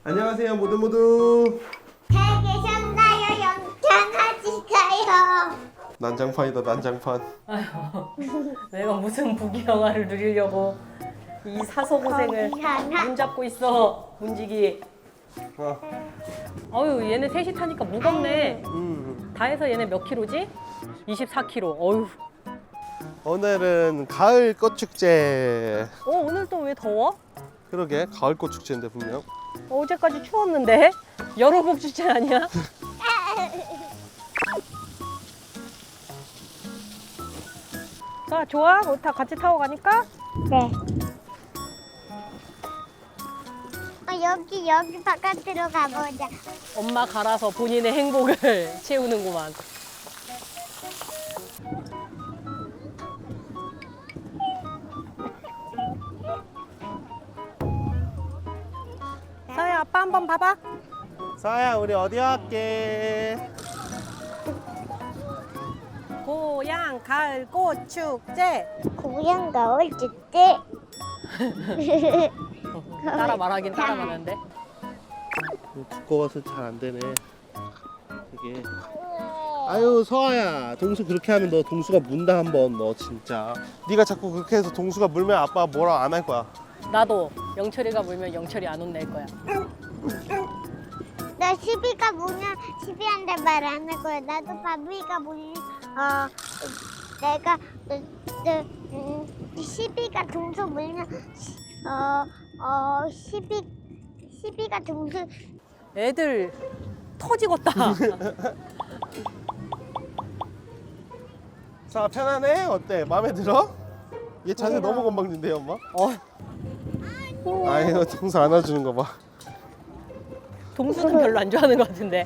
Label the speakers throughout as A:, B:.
A: 안녕하세요 모두.
B: 잘 계셨나요? 영창하실까요?
A: 난장판이다 난장판.
C: 아휴, 내가 무슨 부귀영화를 누리려고 이 사서 고생을 문 잡고 있어, 문지기. 어휴, 얘네 셋이 타니까 무겁네. 다 해서 얘네 몇 킬로지? 24kg. 어휴.
A: 오늘은 가을 꽃축제.
C: 오늘 또 왜 더워?
A: 그러게 가을 꽃축제인데 분명.
C: 어제까지 추웠는데? 여름복 주제 아니야? 자, 좋아? 우리 다 같이 타고 가니까?
B: 네. 여기 바깥으로 가보자.
C: 엄마 갈아서 본인의 행복을 채우는구만. 서야, 아빠 한번 봐봐.
A: 서아야 우리 어디 갈게?
C: 고향 가을 꽃 축제.
B: 고향 가을 축제.
C: 따라 말하긴 따라 말하는데.
A: 두꺼워서 잘 안 되네. 이게. 아유 서아야 동수 그렇게 하면 너 동수가 문다 한번 너 진짜. 네가 자꾸 그렇게 해서 동수가 물면 아빠가 뭐라 안 할 거야.
C: 나도 영철이가 물면 영철이 안 혼낼 거야.
B: 나 시비가 뭐냐? 시비한테 말 안 할 거야. 나도 바비가 뭐냐? 내가 시비가 동서 물면 시비가 동서
C: 애들 터지겠다.
A: 자 편하네? 어때? 마음에 들어? 얘 자세 너무 건방진데 엄마? 아이고 동수 안아주는 거 봐.
C: 동수는 별로 안 좋아하는 것 같은데.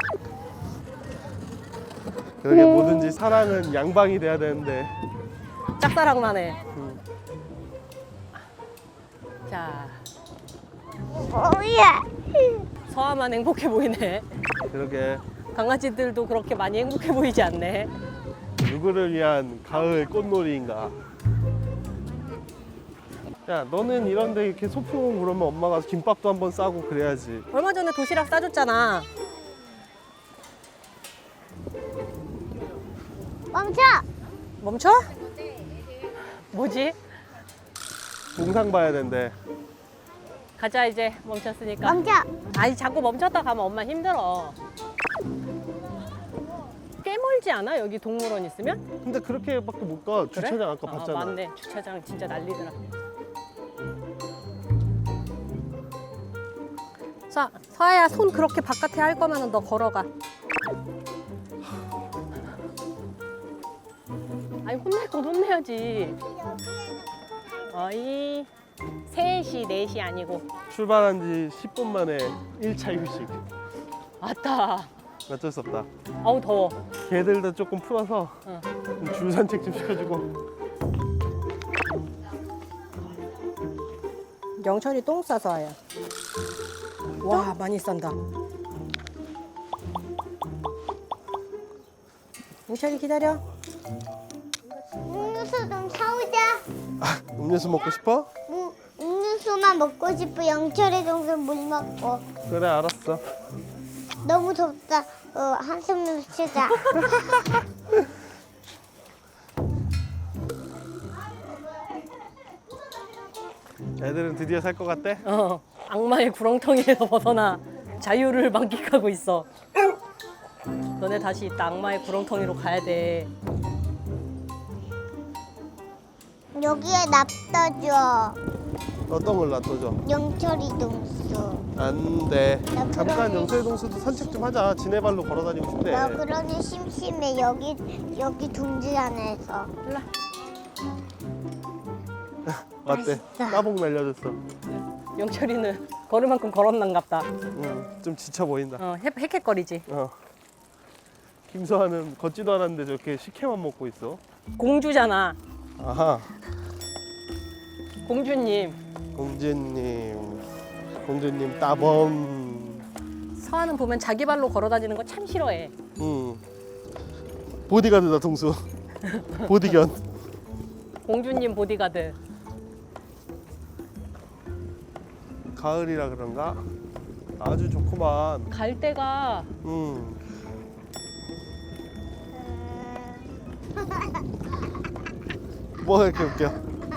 A: 그러게 뭐든지 사랑은 양방이 돼야 되는데.
C: 짝사랑만 해. 자,
B: 뭐야?
C: 서아만 행복해 보이네.
A: 그러게
C: 강아지들도 그렇게 많이 행복해 보이지 않네.
A: 누구를 위한 가을 꽃놀이인가. 야 너는 이런데 이렇게 소풍 그러면 엄마가 김밥도 한번 싸고 그래야지.
C: 얼마 전에 도시락 싸줬잖아.
B: 멈춰!
C: 멈춰? 뭐지?
A: 동상 봐야 된대.
C: 가자 이제 멈췄으니까.
B: 멈춰!
C: 아니 자꾸 멈췄다 가면 엄마 힘들어. 꽤 멀지 않아? 여기 동물원 있으면?
A: 근데 그렇게밖에 못 가.
C: 그래?
A: 주차장 아까 봤잖아.
C: 맞네. 주차장 진짜 난리더라. 자, 서아야 손 그렇게 바깥에 할 거면 너 걸어가. 아니 혼낼 건 혼내야지. 어이 3시, 4시 아니고.
A: 출발한 지 10분 만에 1차 휴식.
C: 왔다.
A: 어쩔 수 없다.
C: 아우 더워.
A: 개들도 조금 풀어서
C: 응.
A: 좀 줄 산책 좀 시켜주고.
C: 영철이 똥 싸서 와요. 와 많이 싼다. 영철이 기다려.
B: 음료수 좀 사오자.
A: 음료수 먹고 싶어?
B: 음료수만 먹고 싶어. 영철이 동생 물 먹고.
A: 그래 알았어.
B: 너무 덥다. 한숨 좀 쉬자.
A: 애들은 드디어 살 것 같대?
C: 악마의 구렁텅이에서 벗어나 자유를 만끽하고 있어. 너네 다시 이따 악마의 구렁텅이로 가야 돼.
B: 여기에 납떠줘.
A: 어떤 걸 놔둬줘?
B: 영철이 동수.
A: 안 돼.
B: 나
A: 잠깐
B: 그러니-
A: 영철이 동수도 산책 좀 하자. 지네 발로 걸어 다니고 싶대.
B: 나 그러니 심심해. 여기 둥지 안에서.
C: 일로
A: 맞대.
B: 맛있어.
A: 따봉 날려줬어.
C: 영철이는 걸을 만큼 걸었난갑다.
A: 응, 좀 지쳐 보인다.
C: 헥헥거리지.
A: 김서아는 걷지도 않았는데 저렇게 식혜만 먹고 있어.
C: 공주잖아.
A: 아하.
C: 공주님.
A: 공주님 따봉.
C: 서아는 보면 자기 발로 걸어 다니는 거 참 싫어해.
A: 응. 보디가드다 동수. 보디견.
C: 공주님 보디가드.
A: 가을이라 그런가? 아주 좋구만.
C: 갈 데가
A: 뭐가 이렇게 웃겨?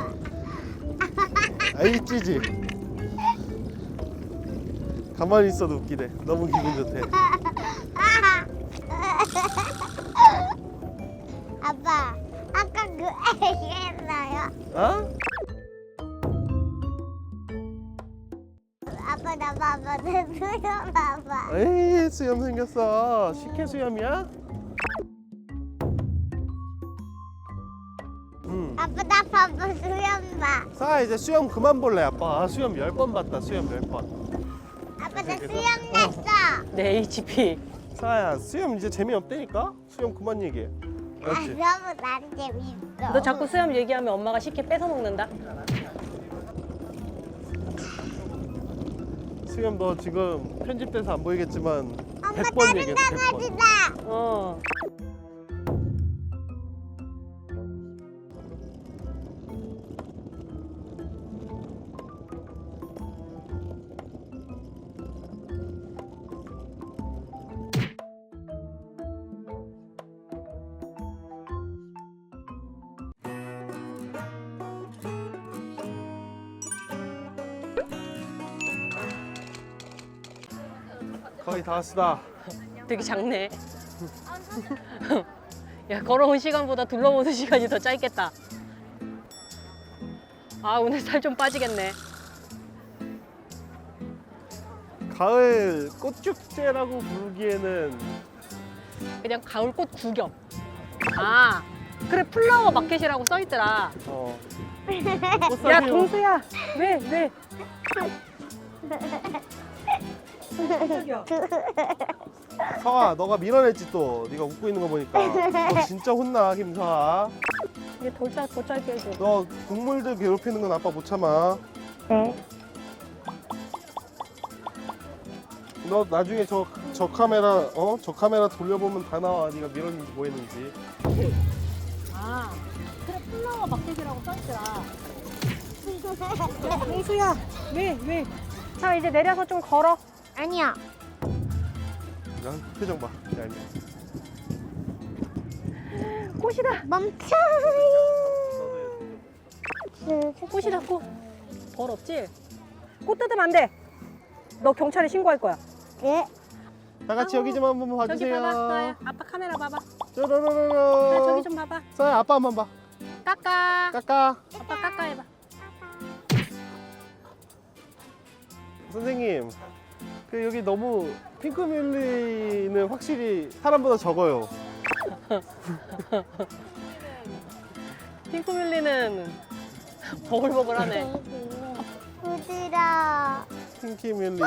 A: 아이 찌지. 가만히 있어도 웃기네. 너무 기분 좋대.
B: 아빠, 아까 그 애기 했나요?
A: 어?
B: 아빠 나 봐봐, 내 수염 봐봐.
A: 에이 수염 생겼어. 식혜 수염이야?
B: 아빠 나 봐봐, 수염 봐.
A: 사 이제 수염 그만 볼래 아빠. 수염 10번 봤다. 수염 10번.
B: 아빠 나 수염 냈어.
C: 내 HP.
A: 사야 수염 이제 재미없다니까? 수염 그만 얘기해.
B: 아,
A: 그렇지?
B: 너무 난 재밌어.
C: 너 자꾸 수염 얘기하면 엄마가 식혜 뺏어 먹는다.
A: 수염 너 지금 편집돼서 안 보이겠지만
B: 엄마
A: 100번
B: 다른
A: 얘기했어 100번.
B: 강아지다.
C: 어.
A: 거의 다 왔다.
C: 되게 작네. 야, 걸어온 시간보다 둘러보는 시간이 더 짧겠다. 아, 오늘 살 좀 빠지겠네.
A: 가을 꽃축제라고 부르기에는
C: 그냥 가을꽃 구경. 아, 그래, 플라워 마켓이라고 써있더라.
A: 꽃사진.
C: 야, 동수야. 왜?
A: 서아 너가 밀어냈지 또. 네가 웃고 있는 거 보니까 너 진짜 혼나 김서아.
C: 이게 더 짧게 해줘.
A: 너 동물들 괴롭히는 건 아빠 못 참아.
C: 네.
A: 너 나중에 저 카메라 저 카메라 돌려보면 다 나와. 네가 밀었는지 뭐 했는지.
C: 아, 그래, 플라워 마켓이라고 써있더라. 동수야, 왜? 자, 이제 내려서 좀 걸어.
B: 아니야.
A: 난 표정 봐. 야,
C: 꽃이다.
B: 멈춰.
C: 꽃이다, 꽃. 벌 없지? 꽃 뜯으면 안 돼. 너 경찰에 신고할 거야.
B: 네.
A: 다 같이 여기 좀 한번
C: 저기
A: 봐주세요.
C: 봐봐, 서야. 아빠 카메라 봐봐.
A: 쪼로로로로.
C: 서야, 저기 좀 봐봐.
A: 서야 아빠 한번 봐.
C: 까까.
A: 까까.
C: 아빠 까까 해봐.
A: 선생님, 그 여기 너무 핑크뮬리는 확실히 사람보다 적어요.
C: 핑크뮬리는 버글버글하네.
B: 부드러.
A: 핑크뮬리.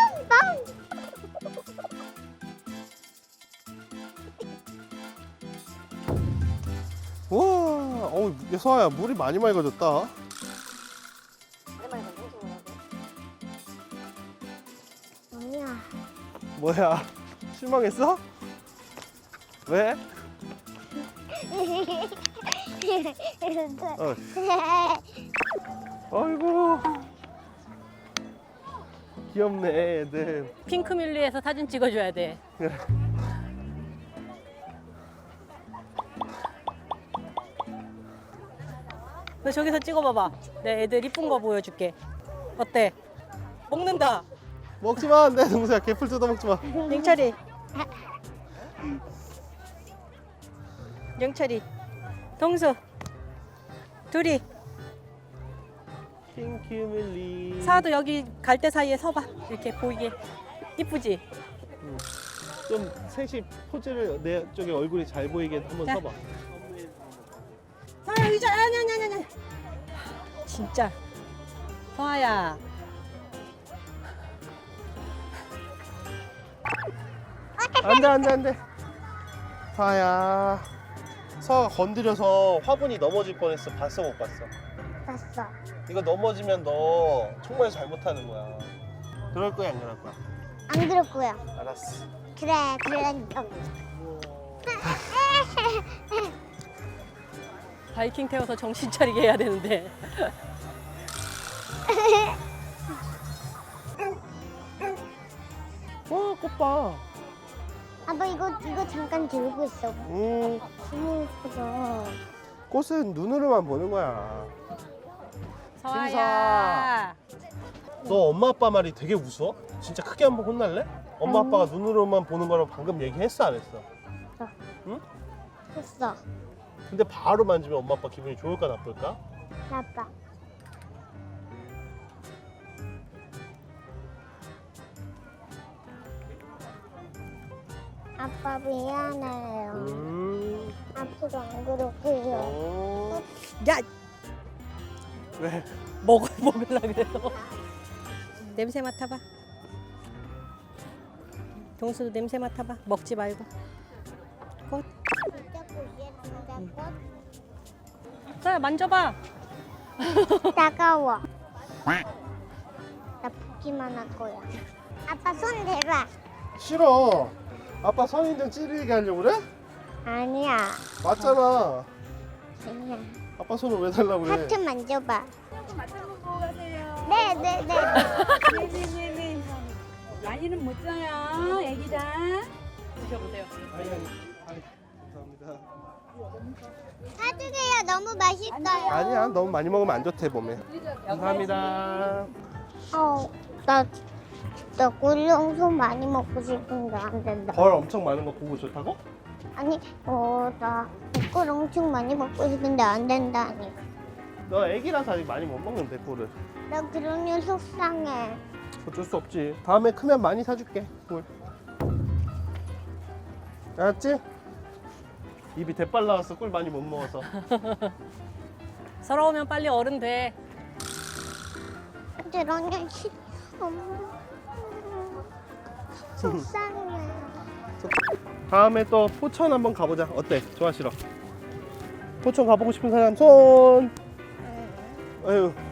A: 와, 야, 서아야 물이 많이 맑아졌다.
B: 아니야.
A: 뭐야, 실망했어? 왜? 아이고, 귀엽네 애들.
C: 핑크뮬리에서 사진 찍어줘야 돼. 너 저기서 찍어봐봐. 내 애들 이쁜 거 보여줄게. 어때? 먹는다.
A: 먹지마 안돼 동수야. 개풀 뜯어 먹지마.
C: 영철이. 영철이. 동수. 둘이.
A: 핑크뮬리.
C: 사도 여기 갈대 사이에 서봐. 이렇게 보이게. 이쁘지?
A: 좀 셋이 포즈를 내 쪽에 얼굴이 잘 보이게 한번
C: 자.
A: 서봐.
C: 서아야 의자. 아니. 진짜. 서아야.
A: 안돼. 서아야. 서아가 건드려서 화분이 넘어질 뻔했어. 봤어 못 봤어?
B: 봤어.
A: 이거 넘어지면 너 정말 잘못하는 거야. 그럴 거야 안 그럴 거야?
B: 안 그럴 거야.
A: 알았어.
B: 그래, 그러니까.
C: 바이킹 태워서 정신 차리게 해야 되는데.
A: 꽃봐.
B: 아빠 이거 잠깐 들고 있어. 너무 예쁘다.
A: 꽃은 눈으로만 보는 거야.
C: 서아야.
A: 너 엄마 아빠 말이 되게 무서워? 진짜 크게 한번 혼날래? 엄마 아빠가 눈으로만 보는 거라고 방금 얘기했어 안 했어?
B: 했어.
A: 근데 바로 만지면 엄마 아빠 기분이 좋을까 나쁠까?
B: 아빠. 아빠 미안해요. 앞으로 안 그럴게요.
C: 야,
A: 왜?
C: 먹으려 그래서. 냄새 맡아봐. 동수도 냄새 맡아봐. 먹지 말고. 꽃.
B: 진짜 꽃이야, 꽃.
C: 서아야 만져봐.
B: 따가워. 나 붓기만 할 거야. 아빠 손 대봐.
A: 싫어. 아빠 선인장 찌르게 하려고 그래?
B: 아니야.
A: 맞잖아.
B: 아니야.
A: 아빠 손을 왜 달라고 그래?
B: 하트 만져봐.
D: 맞춰보고 가세요.
B: 네네네.
D: 네네네네. 많이는 못 줘요, 애기랑.
C: 드셔보세요.
A: 아니, 감사합니다.
B: 사주세요. 너무 맛있어요.
A: 아니야, 너무 많이 먹으면 안 좋대 몸에. 감사합니다.
B: 나 꿀영수 많이 먹고 싶은데 안 된다.
A: 벌 엄청 많은 거 보고 좋다고?
B: 아니, 나 꿀 엄청 많이 먹고 싶은데 안 된다니.
A: 너 애기라서 아직 많이 못 먹는데 꿀을.
B: 나 그러니 속상해.
A: 어쩔 수 없지. 다음에 크면 많이 사줄게 꿀. 알았지? 입이 대빨 나왔어. 꿀 많이 못 먹어서.
C: 서러우면 빨리 어른 돼.
B: 그러니 속상해.
A: 다음에 또 포천 한번 가보자. 어때? 좋아 싫어? 포천 가보고 싶은 사람 손. 아유